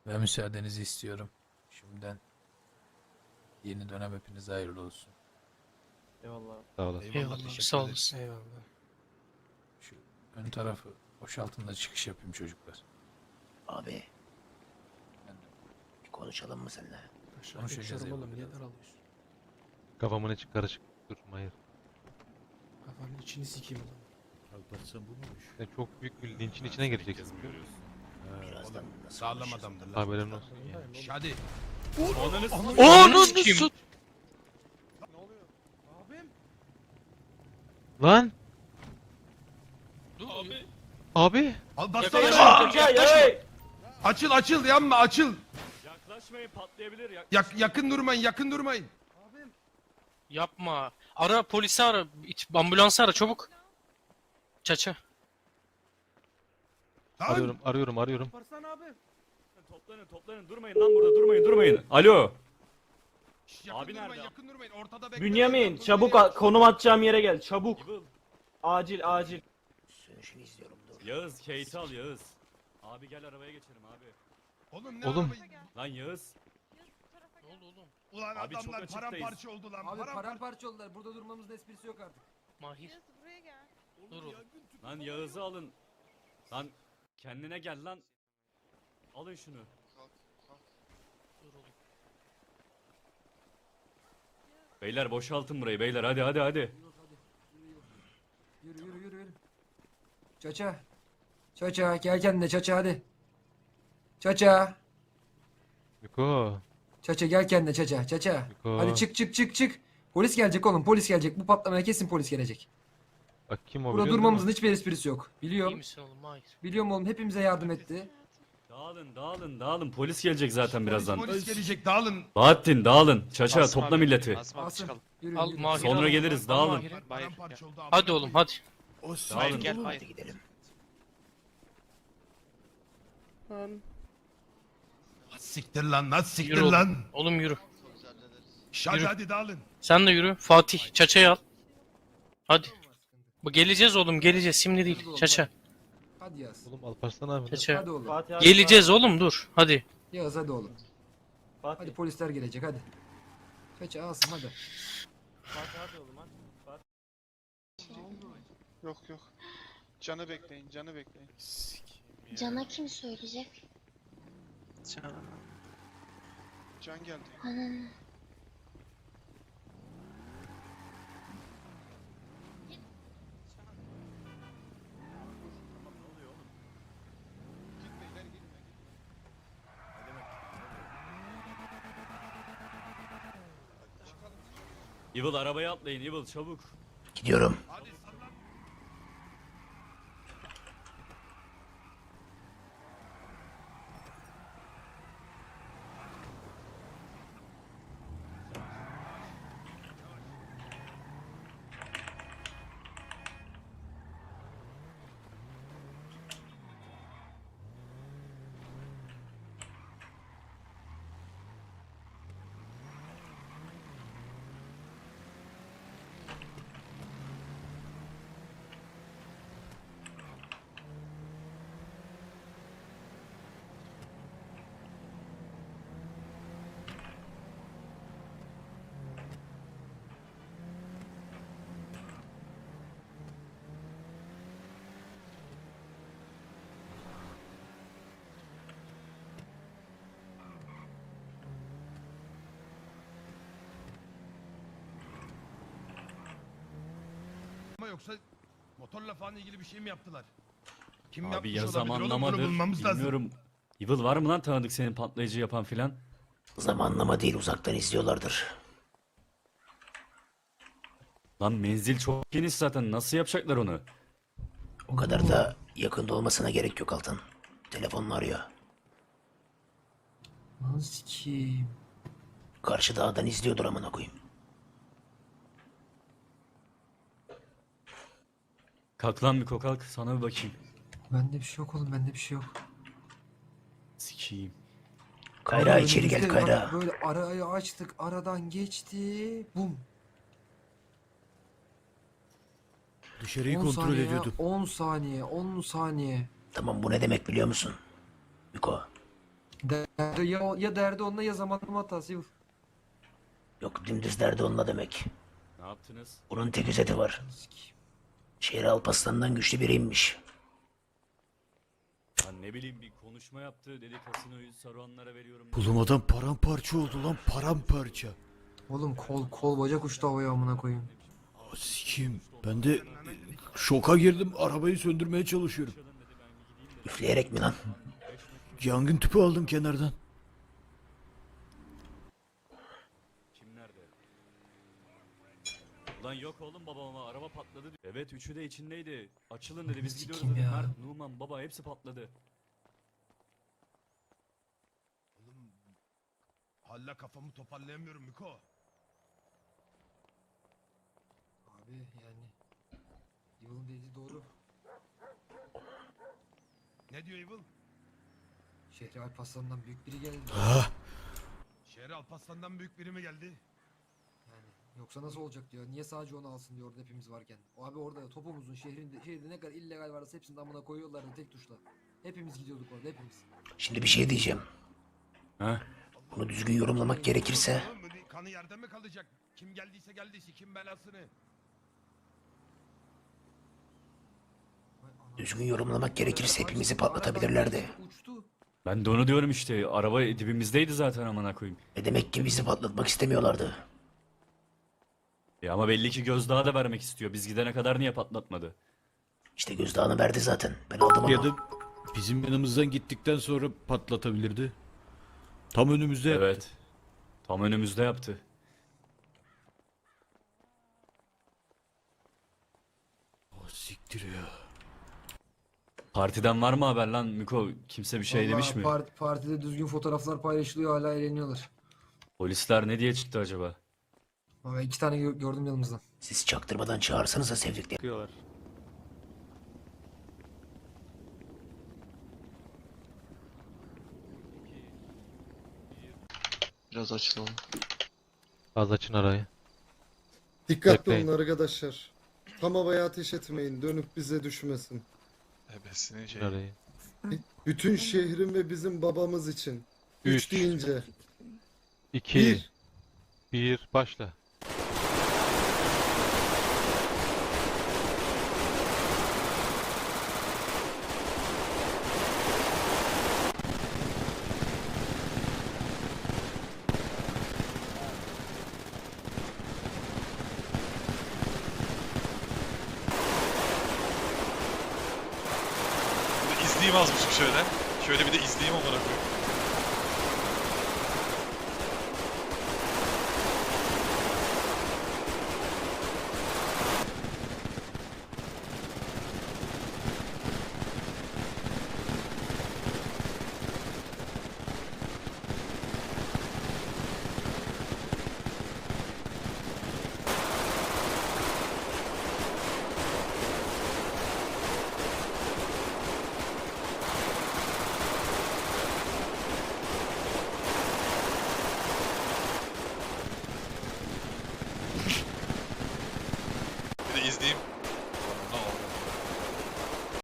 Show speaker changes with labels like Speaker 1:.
Speaker 1: Ve müsaadenizi istiyorum. Şimdiden yeni dönem hepinize hayırlı olsun.
Speaker 2: Eyvallah.
Speaker 3: Sağ olasın.
Speaker 4: Eyvallah,
Speaker 1: teşekkür
Speaker 4: sağ
Speaker 1: ederim.
Speaker 4: olasın.
Speaker 2: Eyvallah.
Speaker 1: Şu ön tarafı boşaltın da çıkış yapayım çocuklar.
Speaker 5: Abi
Speaker 1: Ben de
Speaker 5: bir konuşalım mı seninle?
Speaker 4: Aşağı
Speaker 1: Konuşacağız
Speaker 4: geçerim
Speaker 1: eyvallah.
Speaker 4: oğlum, niye daralıyorsun?
Speaker 3: Kafamın içi karışık. Dur hayır.
Speaker 4: Kafanın içini sikeyim oğlum.
Speaker 6: Alparslan bu muymuş?
Speaker 3: Sen çok büyük bir linçin içine gireceksin.
Speaker 5: Birazdan nasıl
Speaker 6: Sağlam
Speaker 5: konuşacağız?
Speaker 6: adamdır lan.
Speaker 3: Haberin olsun.
Speaker 4: Farkındayım oğlum.
Speaker 6: Hadi.
Speaker 3: Onu
Speaker 4: sikeyim.
Speaker 3: Lan!
Speaker 4: Dur abi.
Speaker 3: Abi!
Speaker 6: Alparslan
Speaker 4: Yaklaşma.
Speaker 6: açıl açıl yanma açıl.
Speaker 2: Yaklaşmayın, patlayabilir.
Speaker 6: Yakın durmayın yakın durmayın.
Speaker 4: Yapma. Ara polisi ara. Ambulansı ara çabuk. Çaça.
Speaker 6: Lan.
Speaker 3: Arıyorum.
Speaker 2: Toplanın. Durmayın lan burada, durmayın. Alo.
Speaker 6: Yakın
Speaker 2: Abi
Speaker 6: durmayın,
Speaker 2: nerede?
Speaker 6: yakın durmayın. Ortada bekleyin.
Speaker 7: Bünyamin
Speaker 6: Dur,
Speaker 7: çabuk
Speaker 6: nereye?
Speaker 7: konum atacağım yere gel çabuk.
Speaker 2: Evil.
Speaker 7: Acil.
Speaker 5: Sönüşünü izliyorum dur.
Speaker 2: Yağız, Kate al Yağız. Abi gel arabaya geçelim abi.
Speaker 6: Oğlum ne
Speaker 3: Oğlum.
Speaker 6: arabayı-
Speaker 2: Lan Yağız.
Speaker 4: Ne oldu oğlum?
Speaker 6: Ulan
Speaker 2: Abi çok
Speaker 6: adamlar
Speaker 2: açıktayız.
Speaker 6: paramparça oldu lan.
Speaker 8: Abi paramparça oldular. Burada durmamızın esprisi yok artık.
Speaker 4: Mahir.
Speaker 9: Buraya gel.
Speaker 4: Dur oğlum.
Speaker 2: Lan Yağız'ı alın. Lan kendine gel lan. Alın şunu.
Speaker 4: Dur oğlum.
Speaker 2: Beyler boşaltın burayı beyler hadi.
Speaker 8: Yok hadi. Yürü. Çaça. Çaça gel kendine çaça hadi. Çaça.
Speaker 3: Miko.
Speaker 8: Çaça gel kendine çaça.
Speaker 3: Miko.
Speaker 8: Hadi çık. Polis gelecek oğlum polis gelecek. Bu patlamaya kesin polis gelecek.
Speaker 3: Bak kim o
Speaker 8: Burada
Speaker 3: biliyor musun?
Speaker 8: durmamızın hiçbir esprisi yok.
Speaker 4: İyi
Speaker 8: Biliyorum.
Speaker 4: misin oğlum Mahir?
Speaker 8: Biliyorum oğlum hepimize yardım etti.
Speaker 2: Dağılın. Polis gelecek zaten birazdan.
Speaker 6: Polis gelecek dağılın.
Speaker 2: Bahattin dağılın. Çaça topla milleti.
Speaker 8: Asım. Yürü.
Speaker 4: Al Mahir.
Speaker 2: Sonra
Speaker 4: al.
Speaker 2: geliriz,
Speaker 4: Al
Speaker 2: dağılın.
Speaker 4: Mahir'i.
Speaker 6: Paramparça oldu.
Speaker 4: Hadi oğlum hadi.
Speaker 2: Dağılın.
Speaker 5: Hadi gidelim.
Speaker 6: Siktir lan nasıl siktir
Speaker 4: Yürü oğlum.
Speaker 6: lan.
Speaker 4: Oğlum yürü.
Speaker 6: Şş, hadi
Speaker 4: Yürü.
Speaker 6: hadi dağılın.
Speaker 4: Sen de yürü. Fatih çaçayı al. Hadi. Geleceğiz oğlum geleceğiz şimdi değil. Çaça.
Speaker 8: Hadi Yağız.
Speaker 3: Oğlum Alparslan abi.
Speaker 4: Çaça.
Speaker 8: Hadi oğlum.
Speaker 7: Fatih abi,
Speaker 4: Geleceğiz oğlum dur. Hadi.
Speaker 8: Yağız hadi oğlum.
Speaker 7: Fatih.
Speaker 8: Hadi polisler gelecek hadi. Çaça Asım hadi.
Speaker 7: Fatih hadi oğlum hadi.
Speaker 10: Yok. Canı bekleyin.
Speaker 9: Cana kim söyleyecek?
Speaker 10: Can geldi.
Speaker 9: Ananı.
Speaker 10: Gitme ileri gitme.
Speaker 2: Evil arabaya atlayın Evil çabuk.
Speaker 5: Gidiyorum.
Speaker 6: Ama yoksa motorla falan ilgili bir şey mi yaptılar? Kim
Speaker 2: Abi
Speaker 6: yapmış
Speaker 2: ya
Speaker 6: olabilir oğlum? Bunu
Speaker 2: zamanlamadır.
Speaker 6: bulmamız lazım.
Speaker 2: Bilmiyorum. Evil var mı lan tanıdık senin patlayıcı yapan filan?
Speaker 5: Zamanlama değil uzaktan izliyorlardır.
Speaker 2: Lan menzil çok geniş zaten nasıl yapacaklar onu?
Speaker 5: O kadar da yakında olmasına gerek yok Altan. Telefonla arıyor.
Speaker 8: Nasıl ki?
Speaker 5: Karşı dağdan izliyordur amına koyayım.
Speaker 2: Kalk lan bir kalk sana bir bakayım.
Speaker 8: Bende bir şey yok oğlum bende bir şey yok.
Speaker 2: Sikiyim.
Speaker 5: Kayra içeri gel
Speaker 8: Önümüzde
Speaker 5: Kayra.
Speaker 8: bak, böyle arayı açtık aradan geçti. Bum.
Speaker 6: Dışarıyı
Speaker 8: 10 saniye, 10 saniye, 10 saniye.
Speaker 5: Tamam bu ne demek biliyor musun? Miko.
Speaker 8: Derdi ya derdi onunla ya zamanlama hatası Yıl.
Speaker 5: Yok dümdüz derdi onunla demek.
Speaker 2: Ne yaptınız?
Speaker 5: Bunun tek özeti var. Şehir Alparslan'dan güçlü biriymiş.
Speaker 2: Lan ne bileyim bir konuşma yaptı. Dedi kasinoyu Saruhanlara veriyorum.
Speaker 11: Oğlum adam paramparça oldu lan paramparça.
Speaker 8: Oğlum kol bacak uçtu havaya amına koyayım.
Speaker 11: Sikim. Ben de şoka girdim. Arabayı söndürmeye çalışıyorum.
Speaker 5: Üfleyerek mi lan?
Speaker 11: Yangın tüpü aldım kenardan.
Speaker 2: Kim nerede? Ulan yok oğlum babama araba patladı diyor. Evet üçü de içindeydi. Açılın dedi biz gidiyoruz
Speaker 8: Sikim
Speaker 2: dedi.
Speaker 8: ya.
Speaker 2: Mert, Numan baba hepsi patladı.
Speaker 6: Oğlum hala kafamı toparlayamıyorum Miko.
Speaker 8: Abi yani Yıl'ın dediği doğru.
Speaker 6: Ne diyor Evil?
Speaker 8: Şehri Alparslan'dan büyük biri geldi.
Speaker 11: Ah,
Speaker 6: Şehre Alparslan'dan büyük biri mi geldi?
Speaker 8: Yani yoksa nasıl olacak diyor. Niye sadece onu alsın diyor orada hepimiz varken. O abi orada topumuzun şehirde ne kadar illegal varsa hepsini amına koyuyorlardı tek tuşla. Hepimiz gidiyorduk orada hepimiz.
Speaker 5: Şimdi bir şey diyeceğim.
Speaker 2: He?
Speaker 5: Bunu düzgün yorumlamak gerekirse
Speaker 6: Oğlum, kanı yerde mi kalacak? Kim geldiyse geldiyse kim belasını?
Speaker 5: düzgün yorumlamak gerekirse hepimizi patlatabilirlerdi.
Speaker 8: Uçtu.
Speaker 2: Ben de onu diyorum işte. Araba dibimizdeydi zaten amına koyayım.
Speaker 5: Ve demek ki bizi patlatmak istemiyorlardı.
Speaker 2: Ama belli ki gözdağı da vermek istiyor. Biz gidene kadar niye patlatmadı?
Speaker 5: İşte gözdağını verdi zaten. Ben aldım ama.
Speaker 11: ya da bizim yanımızdan gittikten sonra patlatabilirdi. Tam önümüzde yaptı.
Speaker 2: Evet. Tam önümüzde yaptı.
Speaker 11: Ah, siktir ya.
Speaker 2: Partiden var mı haber lan Miko? Kimse bir şey demiş mi?
Speaker 8: Partide düzgün fotoğraflar paylaşılıyor hala eğleniyorlar.
Speaker 2: Polisler ne diye çıktı acaba?
Speaker 8: Ama 2 tane gördüm yanımızdan.
Speaker 5: Siz çaktırmadan çağırsanıza sevdikleri.
Speaker 3: Bakıyorlar.
Speaker 10: Biraz açılalım.
Speaker 3: Az açın arayı.
Speaker 12: Dikkatli
Speaker 3: Bekleyin.
Speaker 12: olun arkadaşlar. Tam havaya ateş etmeyin. Dönüp bize düşmesin.
Speaker 10: Ebesinin şey.
Speaker 3: Arayı.
Speaker 12: Bütün şehrin ve bizim babamız için. 3
Speaker 3: Üç.
Speaker 12: deyince.
Speaker 3: 2
Speaker 12: Bir.
Speaker 3: 1 başla.
Speaker 10: İzleyeyim azmışım şöyle. Şöyle bir de izleyeyim amına koyayım.